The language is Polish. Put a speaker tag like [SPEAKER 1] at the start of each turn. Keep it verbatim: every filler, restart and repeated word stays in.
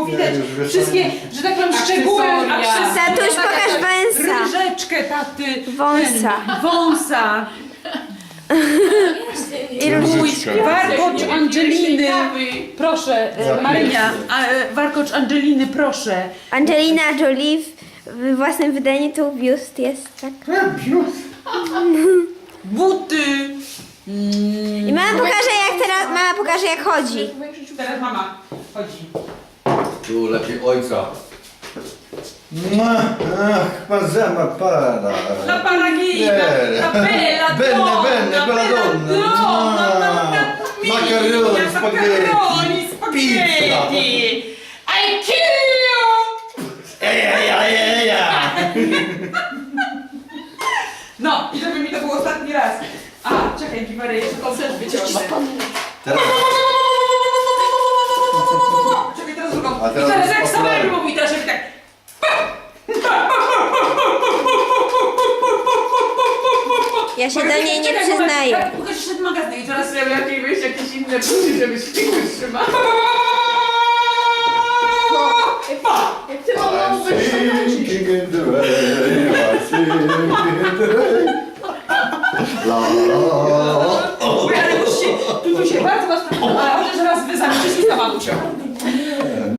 [SPEAKER 1] widać wszystkie, że tak powiem, szczegóły, akcesoria.
[SPEAKER 2] Tatuś, pokaż węsa.
[SPEAKER 1] Różeczkę taty.
[SPEAKER 2] Wąsa.
[SPEAKER 1] Ten, wąsa.
[SPEAKER 2] I różniczki.
[SPEAKER 1] Warkocz Angeliny. Proszę, e, Marynia. a, e, Warkocz Angeliny, proszę.
[SPEAKER 2] Angelina Jolie w własnym wydaniu tu biust jest, tak?
[SPEAKER 1] Buty.
[SPEAKER 2] I mama pokaże jak teraz, mama pokaże jak chodzi.
[SPEAKER 1] Teraz mama chodzi.
[SPEAKER 3] Tu lepiej ojca.
[SPEAKER 4] No, ach, ma zama para.
[SPEAKER 1] La paragina,
[SPEAKER 4] Nie.
[SPEAKER 1] la bella
[SPEAKER 4] Bene,
[SPEAKER 1] donna,
[SPEAKER 4] bene, bella donna.
[SPEAKER 1] donna,
[SPEAKER 4] Macaroni, spaghetti,
[SPEAKER 1] macaroni, spaghetti. I kill you!
[SPEAKER 4] Eja, eja, eja.
[SPEAKER 1] No, i żeby mi to był ostatni raz. A, czekaj, Giwary, jeszcze koncert wyciągnę.
[SPEAKER 4] Teraz.
[SPEAKER 1] Czekaj, teraz drugą.
[SPEAKER 4] A
[SPEAKER 1] I
[SPEAKER 4] teraz
[SPEAKER 1] teraz
[SPEAKER 4] jest
[SPEAKER 1] jak
[SPEAKER 4] popularny.
[SPEAKER 1] Samuel mówi, teraz żeby tak...
[SPEAKER 2] Ja się do
[SPEAKER 1] Mogę-
[SPEAKER 2] niej nie
[SPEAKER 1] czekaj,
[SPEAKER 2] przyznaję.
[SPEAKER 1] moment, Pokaż jeszcze ten magazyn i teraz sobie lepiej wyjść jakieś inne buty, żebyś figurę trzymał.
[SPEAKER 5] Jak ty mam
[SPEAKER 4] I'm sinking in the rain, I'm sinking in the rain. La la la la.
[SPEAKER 1] Oj, ale musicie, tu, tu się bardzo was...